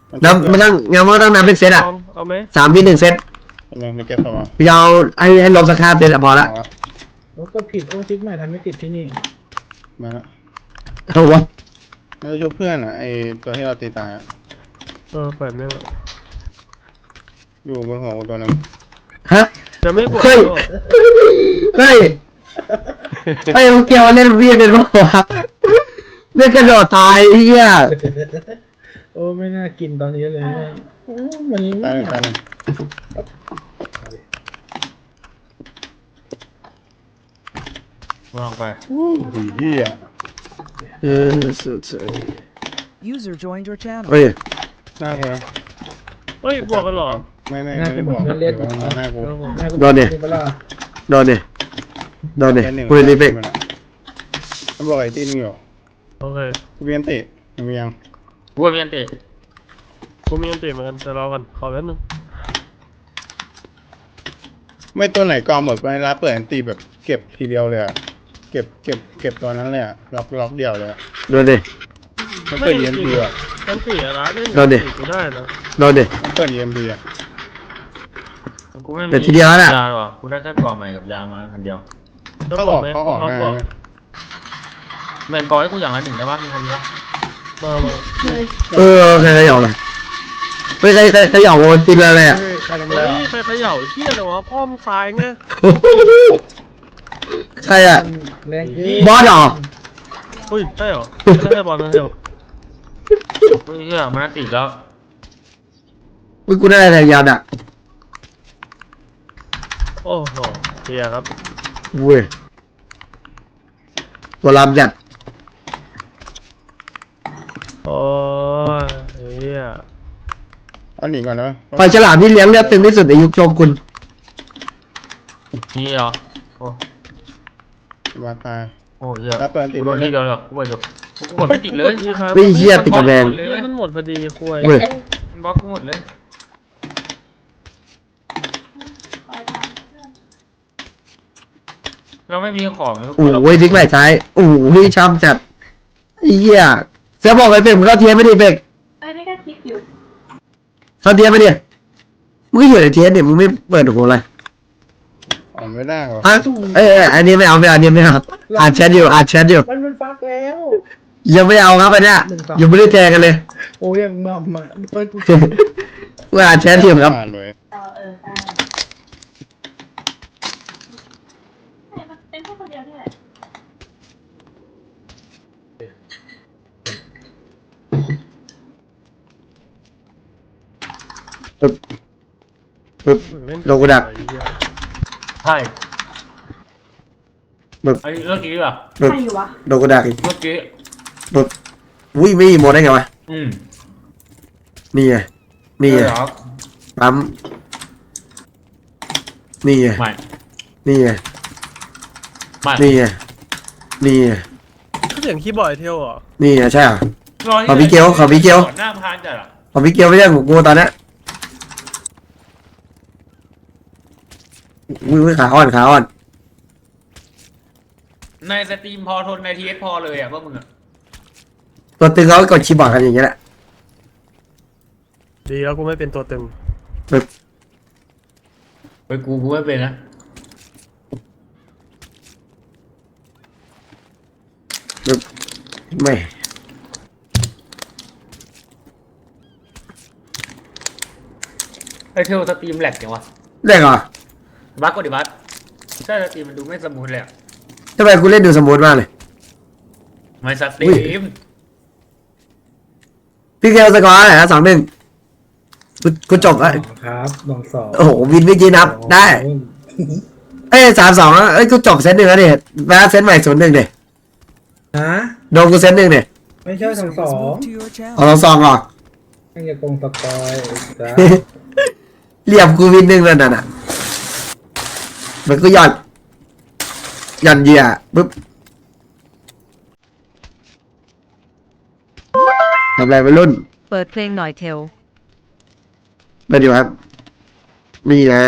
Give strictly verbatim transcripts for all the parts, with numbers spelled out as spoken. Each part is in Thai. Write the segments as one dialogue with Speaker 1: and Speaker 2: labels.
Speaker 1: น้ำมันต้องงั้นมันต้องนับเป็นเซตอ่ะ
Speaker 2: เอาไหม
Speaker 1: สามวิหนึ่งเซต
Speaker 3: ยังไม่เก็บเข้ามา
Speaker 1: พี่เอาให้ให้ลมสักห้าเซตพอละ
Speaker 4: รถก็ผิดโอ้ซิกใหม่ทำไม่ติดที่นี่
Speaker 3: มาแล้ว
Speaker 1: เอาวะ
Speaker 3: เราช่วยเพื่อนอ่ะไอตัวที่เราตีตายอ่ะ
Speaker 2: เออเปิดไม่
Speaker 3: อยู่บนหัวตัวนึง
Speaker 1: ฮะ
Speaker 2: จะไม่กด
Speaker 1: เฮ้ยเฮ้ยเฮ้ยมึงเกี่ยวเล่นวิ่งเป็นพวกเล่นกระโดดตายเฮีย
Speaker 4: โอ้ไม่น่ากินตอนนี้เลยมัน
Speaker 3: ตายตาย
Speaker 2: วางไป
Speaker 3: ดีเฮีย
Speaker 1: เออสุดสุด
Speaker 5: User joined your channel
Speaker 1: เฮ้ย
Speaker 3: หน้าเธอ
Speaker 2: เฮ้ยบอกกันหรอ
Speaker 3: ไม่ไม่ไม่ได้บอกหน้ากู
Speaker 1: โดนเนี่ยโดนเนี่ยโดนเนี่ยกูรีเฟก
Speaker 3: มันบอกไอ้ตีนึงอยู่
Speaker 2: โอเค
Speaker 3: กูเวียนติมียัง
Speaker 2: กูมีอันติกูมีอันติเหมือนกันแต่รอกันขอแป๊บนึง
Speaker 3: ไม่ตัวไหนกองหมดไปแล้วเปิดอันตีแบบเก็บทีเดียวเลยอ่ะเก็บเก็บเก็บตัวนั้นเลยอ่ะล็อกล็อกเดียวเลย
Speaker 1: โดนดิ
Speaker 3: มันเปิด อี เอ็ม พี อ่ะ
Speaker 2: อันติอะนะ
Speaker 1: โดนดิ
Speaker 2: กูได้นะ
Speaker 1: โดนดิ
Speaker 3: มันเปิด อี เอ็ม พี อ่ะ
Speaker 2: กูไม่มี
Speaker 1: แต่ทีเดียวน่ะ
Speaker 2: ยาหรอกูได้แค่กล่องใหม่กับยามาอันเดียว
Speaker 3: เขาออกเขาออกง่าย
Speaker 2: แมนกอให้กูอย่างละหนึ่งได้ป่ะมีคนเดียวมามา
Speaker 1: เออใครขย่าเลยเฮ้ยใครใครขย่าโอนติดอะไรอ่ะ
Speaker 3: ใครทำ
Speaker 2: เฮ้
Speaker 3: แล้ว
Speaker 2: ยใครเขย่าเฮี้ยเลยวะพ่อมึงตายไง
Speaker 1: ใครอ่ะ
Speaker 4: แรง
Speaker 1: บอสเหรอ
Speaker 2: เฮ้ยใช่เหรอไม่ใช่บอลนะเดียวเฮ้ยเฮี้ยมันติดแล้ว
Speaker 1: มึงกูได้อะไรยาวอ่ะ
Speaker 2: โอ้โหเฮียครับ
Speaker 1: เว้ยตัวลำจัด
Speaker 2: โอ้ยเฮีย
Speaker 3: เอาหนีก่อนนะ
Speaker 1: ปลาฉลามที่เลี้ยงเลือดตึงที่สุดในยุคโชกุน
Speaker 2: นี่เหรอโอ้
Speaker 3: มาตาย
Speaker 2: โอ้เฮีย
Speaker 3: แล้วเปิดติด
Speaker 2: โดนที่เดียวหรอกูไปจบกูกดไม่ติดเลย
Speaker 1: ไม่เชี่ยติดกระแบง
Speaker 2: มันหมดพอดีคุยมันบล็อกกูหมดเลยเราไม่มีของ
Speaker 1: โอ้ยทิ้งไหลซ้ายโอ้ยช้ำจัดเหี้ยเสือบอกไอ้เป็กมึงเข้าเทียนไม่ดิเป็ก
Speaker 6: ไอ้นี่ก็คิดอยู่
Speaker 1: เข้าเทียนไม่ดิมึงก็อยู่ในเทียนเนี่ยมึงไม่เปิดหูอะไร
Speaker 3: อ่านไม่ได้หรอ
Speaker 1: เอ้ยอันนี้ไม่เอาไม่เอาอันนี้ไม่เอาอ่านแชทอยู่อ่านแชทอยู่
Speaker 4: มันมันฟักแล้ว
Speaker 1: ยังไม่เอาครับอันเนี้ยยังไม่ได้แทงกันเลย
Speaker 4: โอ้ยังมามาเปิด
Speaker 1: ว่าอ่านแชทอยู่ครับ
Speaker 6: เออเออใช่มันเป็นแค่คนเดียวนี่แหละ
Speaker 1: ปึ๊บปึ๊บโลกูดัก
Speaker 2: ใช่
Speaker 1: ปึ๊บ
Speaker 2: ไอ้เมื่อกี้ป่ะ
Speaker 1: ปึ๊บโลกูดักอีก
Speaker 2: เมื่อกี้
Speaker 1: ปึ๊บวิ่งไม่หมดได้ไงวะ
Speaker 2: อืม
Speaker 1: นี่ไงนี่ไงปั๊มนี่ไง
Speaker 2: ไม่
Speaker 1: นี่ไง
Speaker 2: ไม่
Speaker 1: นี่ไงนี่ไง
Speaker 2: เสียงคีย์บอร์ดเทลเหรอ
Speaker 1: นี่ไงใช่เหรอขอพี่เกียวขอพี่เกียว
Speaker 2: หน้าพานจัดอ่ะ
Speaker 1: ขอพี่เกียวไม่ใช่ของกูตอนนี้มือขาอ่อนขาอ่อน
Speaker 2: ในสตรีมพอทนในทีเอสพอเลยอ่ะพวกมึงอ่ะ
Speaker 1: ตัวตึงเขากดคีย์บอร์ดกันอย่างเงี้ยแหละ
Speaker 2: ดีแล้วกูไม่เป็นตัวตึง
Speaker 1: ปึ๊บ
Speaker 2: ไปกูกูไม่เป็นนะ
Speaker 1: ปึ๊บไม่
Speaker 2: ไอเทลสตรีมแหลกจังวะ
Speaker 1: แหลกเหรอ
Speaker 2: บั๊กก็ดิบั๊กใช่สตรีมมันดูไม่สมูทเลยอ่ะ
Speaker 1: ทำไมกูเล่นดูสมูทมากเลย
Speaker 2: ไม่สตรีม
Speaker 1: พี่เกลสกอร์อะไรนะสองหนึ่งกูจบแล้ว
Speaker 4: ครับลองสอง
Speaker 1: โอ้โหวินวิจีนับได้เอ้ยสามสองเอ้ยกูจบเซตหนึ่งแล้วดิแม้เซตใหม่ศูนย์หนึ่งดิ
Speaker 4: ฮะ
Speaker 1: โดนกูเซตหนึ่งดิ
Speaker 4: ไม่ใช่สองสอง
Speaker 1: เอาสองสองหรอ
Speaker 4: ยังจะกงสกอยจ้า
Speaker 1: เรียบกูวินหนึ่งแล้วน่ะมันก็หย่อนหย่อนเหยื่อปึ๊บทำอะไรไปรุ่น
Speaker 5: เปิดเพลงหน่อยเทล
Speaker 1: ไปดีครับมีไง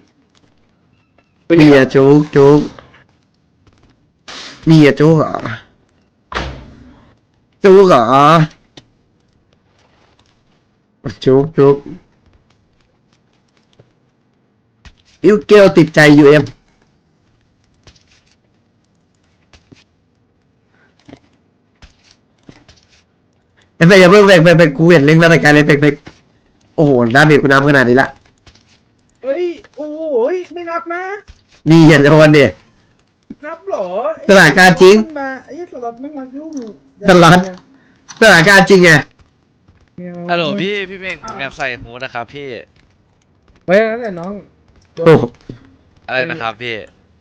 Speaker 1: มีอะจุกจุกมีอะจุกเหรอจุกเหรอจุกจุกอิวเกลติดใจยูเอ็มเอฟเฟกอย่าเพิ่งเบรกเบรกเบรกกูเห็นเล่นรายการเลยเบรกเบรกโอ้โหดาเมจกูน้ำขนาดนี้ละ
Speaker 4: เฮ้ยโอ้ยไม่นับนะ
Speaker 1: นี่เห็นโอนดิ
Speaker 4: นับเหรอ
Speaker 1: สถานการณ์จริง
Speaker 4: มาไอ้สล็อตไม่มายุ่ง
Speaker 1: สล็อต สถานการณ์จริงไง
Speaker 7: ฮัลโหลพี่พี่เม่งผมอยากใส่ฮูดนะครับพี่
Speaker 4: ไว้แล้วแหละน้อง
Speaker 1: โอ้โห
Speaker 7: อะไรนะครับพี่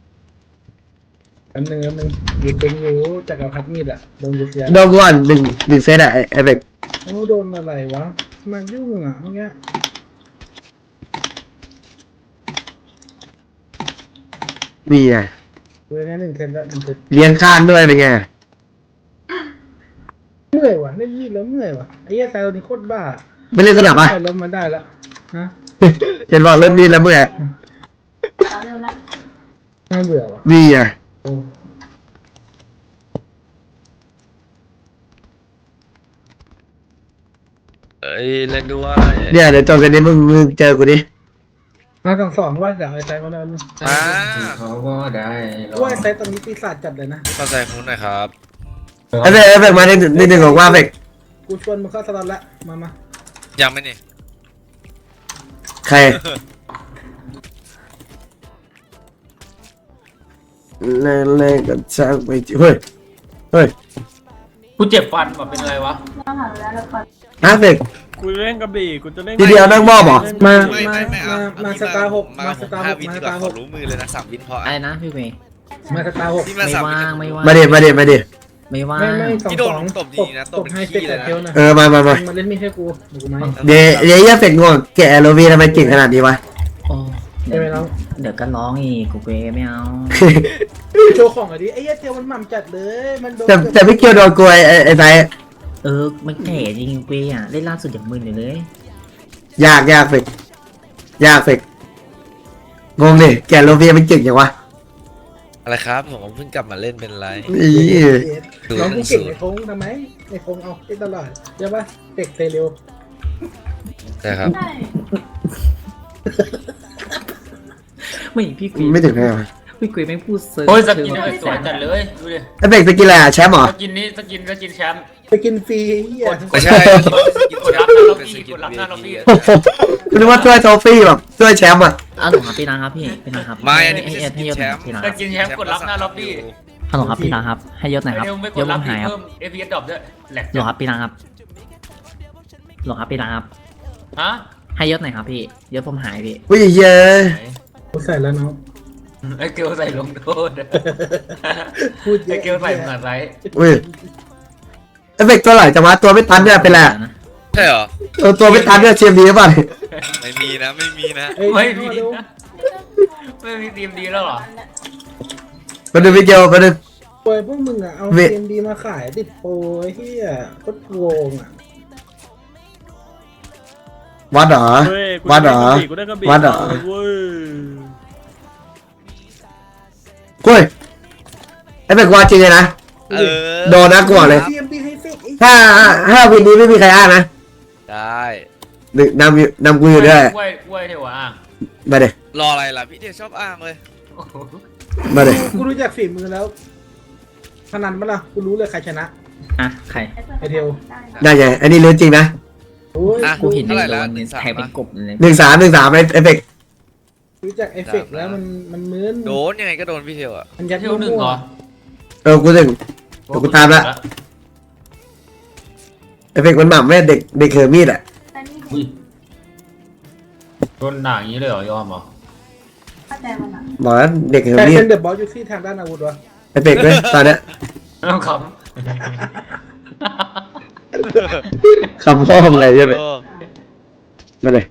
Speaker 4: อันหนึ่งอันหนึ่งอยู่เป็นอยู่จักรพรรดิมีดอะโดนยุบยัน
Speaker 1: โดนก่อนหนึ่งหนึ่งเซตอะเอฟเฟก
Speaker 4: โอ้โดนอะไรวะมายุ่งอะเมื่อกี้
Speaker 1: นี่ไง
Speaker 4: เว้ยหนึ่งเซนละหนึ่งเซน
Speaker 1: เลี้ยงข้างด้วยเป็นไง
Speaker 4: เมื่อยว่ะเล่นมีดแล้วเมื่อยว่ะไอ้เหี้ยแซวนี่โคตรบ้า
Speaker 1: ไม่เล่นสนับอ่ะ
Speaker 4: ใส่ล้มมาได้ละฮะ
Speaker 1: เห็นบอกเล่นนี่แล้วเมื่อ
Speaker 6: เอาเร็วละ
Speaker 4: น่าเบื่อว่ะ
Speaker 1: นี่ไง
Speaker 4: โอ้
Speaker 7: เอ้ยเล่นด้วย
Speaker 1: เนี่ยเดี๋ยวจบกันนี้มึงมึงเจอกูดิ
Speaker 4: มาสองสองว่าเดี๋ยวไอ้แซวมาแล้ว
Speaker 7: อ่า
Speaker 8: เขาก็ได้ลอง
Speaker 4: ว่าไอ้แซวตอนนี้ปีศาจจัดเลยนะ
Speaker 7: เข้าใจฮูดหน่อยครับ
Speaker 1: เอฟเฟกเอฟเฟกมาในในหนึ่งของว่าเอฟเฟก
Speaker 4: กูชวนมึงเข้าสล็อตละมามา
Speaker 7: ยังไม่นี่
Speaker 1: ใครเล่นเล่นกับช่างไปเฮ้ยเฮ้ย
Speaker 2: กูเจ็บฟันว่ะเป็นอะไรวะ
Speaker 6: เราหาเวลาแล้วก่อน
Speaker 1: เอฟเฟก
Speaker 2: กูเล่นกระบี่กูจะเล่น
Speaker 1: ทีเดียวนั่งมอบเหรอ
Speaker 4: มา
Speaker 7: ไม่
Speaker 4: มา
Speaker 7: ไม่ไม่เอา
Speaker 4: มามาสตาร์หกมาสตาร์ห
Speaker 7: ห้าก วิ
Speaker 4: มา
Speaker 7: ดี
Speaker 4: ส
Speaker 7: กว่า
Speaker 4: ตาร์
Speaker 7: ข
Speaker 4: ห
Speaker 7: อก รู้มือเลยนะสามวินพอ
Speaker 8: อะไรนะพี่เมย์
Speaker 4: มาสตาร์หก
Speaker 7: ที่มา
Speaker 8: ไม่
Speaker 7: สามวิ
Speaker 8: ว่างไม่ว่าง
Speaker 1: มาเดี๋ยวมาเดี๋ยวมาเดี๋ยว
Speaker 8: ไม่ว่าง
Speaker 4: ไม่ไม่สอง
Speaker 7: ที่โดน
Speaker 4: สอง
Speaker 7: ตบดีนะตบเป็น
Speaker 4: ให้
Speaker 7: ขี้
Speaker 4: เซ็ต
Speaker 7: เลยนะ
Speaker 4: เทลนะ
Speaker 1: เออมามามา
Speaker 4: มาเล่นมีดให้กูเดี๋ยวกูไหม
Speaker 1: เดี๋ยวเดี๋ยวเอฟเฟกงงแกะโรวีทำไมเก่งขนาดนี้วะ
Speaker 8: โอ้
Speaker 4: ใช่ไหมน้อง
Speaker 8: เดี๋ยวก็ร้องอีกกูเกไม่เอา
Speaker 4: โชว์ของอ่ะดิไอ้เหี้ยเทลมันหม่ำจัดเลยมันโดน
Speaker 1: แต่แต่ไม่เกี่ยวโดนกลวยไอ้ไอ้ไซ
Speaker 8: เออมันแก่จริงเกย์อ่ะเล่นล่าสุดอย่างมึนอยู่เลย
Speaker 1: ยากยากเฟกยากเฟกงงดิแกะโรวีมันเก่งอย่างวะ
Speaker 7: อะไรครับผมเพิ่งกลับมาเล่นเป็นไร
Speaker 1: อี
Speaker 4: น้องกูเก่งในโค้งทำไมในโค้งเอาได้ตลอดใช่ปะเด็กเตะเร็ว
Speaker 7: ใช่ครับ
Speaker 6: ใช่
Speaker 8: ไม่พี่เกย์
Speaker 1: ไม่ถึงไงวะ
Speaker 8: พี่เกย์ไม่งพูดเซิร์ฟ
Speaker 2: โอ้ยสกินนี่สวยจัดเลยดูดิ
Speaker 1: ไอ้เฟกสกินอะไรอะแชมป์เหรอ
Speaker 2: สกินนี้สกินสกินแชมป์
Speaker 4: ไปกินฟรีเหี้ย
Speaker 7: ไม่ใช่
Speaker 2: กดรับหน้าล็อบบี้กดรับหน้าล็อบบี้
Speaker 1: โอ้โหคุณนึกว่าช่วยโทฟี่แบบช่วยแชมป์อ่ะ
Speaker 8: อ้าวหนูครับพี่นะครับพี่พี่นะครับ
Speaker 7: ไม่อันนี้ไม่
Speaker 8: ให้
Speaker 7: ใช่ส
Speaker 8: ให้
Speaker 7: กิน
Speaker 8: ยศ
Speaker 7: แช
Speaker 8: หน่อย
Speaker 7: มป์
Speaker 8: พี่นะ
Speaker 2: ส
Speaker 8: ครับ
Speaker 2: กินแชมป์กดรับหน้าล็อบบี้
Speaker 8: ฮัลโหลครับพี่นะครับ ให้ยศหน่อยครับ
Speaker 2: เดี๋ยวไม่ก
Speaker 8: ย
Speaker 2: ด
Speaker 8: ศ
Speaker 2: รั
Speaker 8: ผ
Speaker 2: บ
Speaker 8: มหายครับ
Speaker 2: เพิ่ม เอ พี เอส ดรอปด้วยแหลก
Speaker 8: ฮัลโหลครับพี่นะครับฮัลโหลครับพี่นะครับ
Speaker 2: ฮะ
Speaker 8: ให้ยศหน่อยครับพี่ยศผมหายพี่
Speaker 1: วิ่งเยอะ
Speaker 4: กูใส่แล้วน้อง
Speaker 2: ไอ้เกลใส่ลงโทษ
Speaker 4: พูดเย
Speaker 2: ไอ้
Speaker 4: อะ
Speaker 2: เกลใส่เหมือนไร
Speaker 1: อุ้ยไอ้เฟกตัวไหลจังวะตัวไม่ตันเนี่ยเป็นไรอะ
Speaker 7: ใช่เหรอ
Speaker 1: เออตัวไม่ตันเนี่ยเชียร์ดีหรือเปล่า
Speaker 7: ไม่มีนะไม่มีนะ
Speaker 4: เอ้ย
Speaker 2: ไม่มี
Speaker 4: เข้าเร็ว
Speaker 2: นะไม่มีทีมดีแล้วเหรอ
Speaker 1: มาดูวิดีโอมาดู
Speaker 4: ปล่อยพวกมึงอ่ะเอา
Speaker 1: เว้ย
Speaker 4: เกมดีมาขายติดโปรไอ้เหี้ยโคตรโกงอ่ะ
Speaker 1: วัดเหรอวัดเหรอวัดเหรอ
Speaker 2: เว้ย
Speaker 1: กุ้ยไอ้เฟกว่าจริงเลยนะ
Speaker 7: เออ
Speaker 1: โดนนะกูบอกเลย
Speaker 4: เกมดีให้เฟกไอ้
Speaker 1: ถ้าถ้าวินนี้ไม่มีใครอ้างนะ
Speaker 7: ได้
Speaker 1: หนึ่งนำอยู่นำกูอยู่ด้วย
Speaker 2: กล้วยกล้วยเทวะอ่ะ
Speaker 1: มาเดี๋ย
Speaker 7: รออะไรล่ะพี่เดียชอบอ้างเลย
Speaker 2: โอ้โห
Speaker 1: มาเดี๋ย
Speaker 4: กูรู้จักฝีมือแล้วพนันปะล่ะกูรู้เลยใครชนะ
Speaker 8: อ่ะใคร
Speaker 4: ไอเทล
Speaker 1: ได้ไงอันนี้เรื่องจริงนะ
Speaker 4: โอ้ย
Speaker 7: อ่ะ
Speaker 8: กูเห็น
Speaker 7: เท่าไหร่
Speaker 8: โด
Speaker 7: ละ
Speaker 8: น
Speaker 7: หนึ่งสาม
Speaker 8: แทงเป็นกบเลย
Speaker 1: หนึ่งสามหนึ่งสามไอ้เฟก
Speaker 4: รู้จักเอฟเฟกต์แล้วมันมันเหมือน
Speaker 7: โดนยังไงก็โดนพี่เทียวอ่ะ
Speaker 4: มันยัด
Speaker 2: เที่ยวหนึ่งเหรอ
Speaker 1: เออกูถึง เดี๋ยวกูตามละ ไอ้เฟกมันหม่ำแม่เด็กเด็กเคอร์มีดอ่ะ
Speaker 6: แต่นี่
Speaker 2: อุ้ยโดนด่าอย่างนี้เลยเหรอยอมเหรอ
Speaker 6: เข้าใจมันอ่ะ
Speaker 1: บอกแล้วเด็กเคอ
Speaker 4: แต่
Speaker 1: ร์มีด
Speaker 4: เป็นเดอะบอสอยู่ที่ทางด้านอาวุธวะ
Speaker 1: ไอ้เฟกด้วยตอนเนี้ย
Speaker 2: ไม่ต้องข
Speaker 1: คำพ่ออะไรใช่ไหม
Speaker 7: เออ
Speaker 1: มาเลย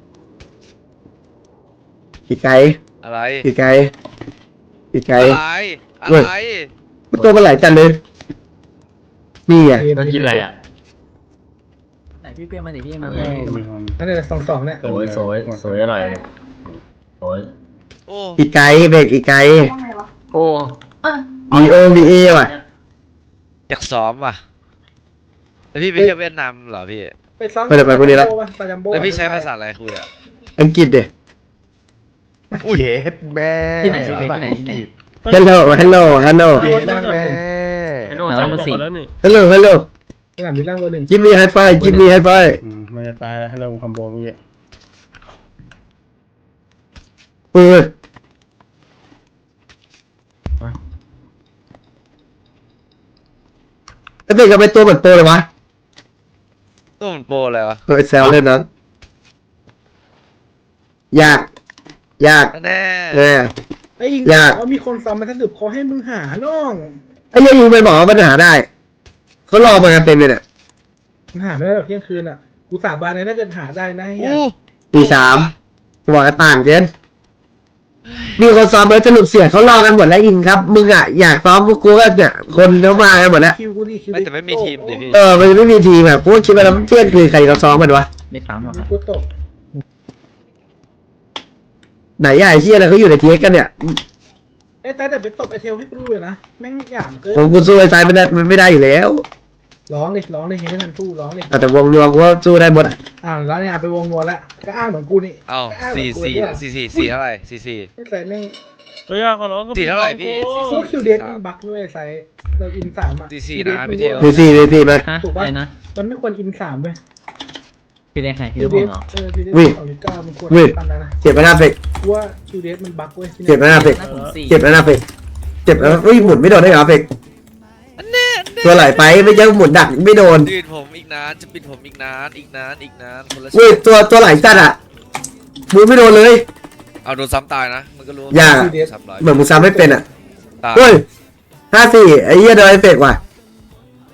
Speaker 1: อีกไกล
Speaker 7: อะไร
Speaker 1: อีกไกลอีกไกล
Speaker 7: อะไรอะไร
Speaker 1: มันตัวมันไหลจันเลยนี่ไง
Speaker 2: ำแล้วกินอะไรอ่ะ
Speaker 8: ไหนพี่เปี้ยมาดิพี่มา
Speaker 4: นั่นแหละสองสองเนี่ย
Speaker 2: สวยสวยสวยอร่อยสวย
Speaker 7: โอ้
Speaker 1: อีกไกลเฟกอีกไกล
Speaker 6: ต้องไงวะ
Speaker 2: โอ้
Speaker 6: เออ
Speaker 1: มีโอมีเอว่ะ
Speaker 7: อยากซ้อมว่ะแล้วพี่ไปเที่ยวเวียดนามเหรอพี่
Speaker 4: ไปซ้อม
Speaker 1: ไปเดี๋ยวไปพรุ่งนี้ละ
Speaker 4: ปาจัมโบ้
Speaker 7: แล้วพี่ใช้ภาษาอะไรคุยอ่ะ
Speaker 1: อังกฤษเด็
Speaker 9: อุ้ยเฮ็ดแม่
Speaker 8: ที่ไหนที่ไหนที่ไหน
Speaker 1: ฮัลโหลฮัลโหลฮัลโหล
Speaker 9: เฮ็ดแม่
Speaker 2: ไอ้โน่จำบอกแล้วนี่
Speaker 1: ฮัลโหลฮัลโหล
Speaker 4: สนามบินล่างตัวหนึ่ง
Speaker 1: กิมมี่ไฮไฟกิมมี่ไฮไฟ
Speaker 3: อืมมันจะตายแล้วให้เราคอมโบเมื่อกี้
Speaker 1: เออไอ้เด็กก็เป็นตัวเหมือนโตเลยวะ
Speaker 7: ตู้มันโปรอะไรวะ
Speaker 1: เออแซวเล่นนั้นยากยาก
Speaker 7: แน่
Speaker 1: เออ
Speaker 4: ไอ้ยิง
Speaker 1: อยาก
Speaker 4: เขามีคนซ้อมมาสรุปเขาให้มึงหาน้อง
Speaker 1: ไอ้เรื่องยิงไปบอกว่าปัญหาได้เขารอมากันเต็มเลยเนี่ย
Speaker 4: มึงหาไม่ได้หรอกเที่ยงคืนอ่ะกูสาบานเลยถ้าเกิดหาได้นะไอ้เหี้ย
Speaker 7: อู้
Speaker 1: ตีสามบอกกันต่างเจนมีคนซ้อมแล้วสรุปเสียเขารอกันหมดแล้วยิงครับมึงอ่ะอยากซ้อมพวกกูก็เนี่ยคนเขามากันหมดแล้ว
Speaker 4: คิวกูดิคิว
Speaker 7: ไม่แต่ไม่มีทีมดิพี่
Speaker 1: เออมันไม่มีทีมแบบกูก็คิดว่าแล้วเที่ยงคืนใครเขาซ้อมกันวะ
Speaker 8: ไม่ปั๊มหรอกครับ
Speaker 4: กูตก
Speaker 1: ไหนใหญ่เที่ยอะไรเขาอยู่ในเทียกันเนี่ย
Speaker 4: ไอ้แต่แต่ไปตบไอเทลให้กูดูเลยนะแม่งหยามเกิน
Speaker 1: ผมกูสู้ไอ้สายไม่ได้มันไม่ได้อยู่แล้ว
Speaker 4: ร้องเลยร้องเลยเห็นไม่ทันสู้ร้องเลย
Speaker 1: แต่วงรวมกูก็สู้ได้หมดอะ
Speaker 4: อ่าแล้วเนี่ยไปวงนวลแล้วก็อ้างเหมือนกูนี่
Speaker 7: เอ้า
Speaker 4: ก็อ้างเหมื
Speaker 7: สี่
Speaker 4: อนกู
Speaker 7: สี่
Speaker 4: เนี่ย
Speaker 7: สี่สี่สี่เท่าไหร่สี่สี่
Speaker 4: ไอ้ใส่แม่ง
Speaker 2: เฮ้ยยากกว่าน้องก็
Speaker 7: สี่เท่าไหร่พี่
Speaker 4: พวกคิวเดสมันบักด้วยใส่เราอินสามอ่ะ
Speaker 7: สี่สี่
Speaker 4: คิวเดส
Speaker 7: นะ
Speaker 4: มั
Speaker 7: พี่เทล
Speaker 1: ดีสี่ดีสี่มา
Speaker 8: ฮะ
Speaker 4: ถูก
Speaker 8: อะ
Speaker 4: ปะ
Speaker 8: ไรนะ
Speaker 4: มันไม่ควรอินสามด้วย
Speaker 8: พี่เล็กใครพี่
Speaker 4: คิ
Speaker 8: เล็
Speaker 4: ว
Speaker 8: ก
Speaker 4: เด
Speaker 8: ผม
Speaker 4: ส
Speaker 8: เหรอ
Speaker 4: เออคิวเดส
Speaker 1: วิ่ง
Speaker 4: สองจุดเก้ามันควร
Speaker 1: วิ่ง
Speaker 4: ทำแล้วนะ
Speaker 1: เจ็บไปหน้าเฟก
Speaker 4: กูว่าคิวเดสมันบักเว้ยที่
Speaker 1: เจ็บไปหน้าเฟก
Speaker 8: หน้าผมสี่
Speaker 1: เจ็บไปหน้าเฟกเจ็บแล้วอุ้ยหมุนไม่โดนได้เหรอเฟกตัวไหลไปไม่ใช่หมุนดักไม่โดน
Speaker 7: ยืนผมอีกนานจะปิดผมอีกนานอีกนานอีกนานคนละ
Speaker 1: อุ้ยตัวตัวไหลจัดอ่ะหมุนไม่โดนเลย
Speaker 7: เอาโดนซ้ำตายนะมันก็รู้
Speaker 1: อย่า
Speaker 7: ซ้ำร้อย
Speaker 1: เหมือนมึงซ้ำไม่เป็นอ่ะ
Speaker 7: ตาย
Speaker 1: เฮ้ยห้าสี่ไอ้เหี้ยโดนไอ้เฟกว่ะ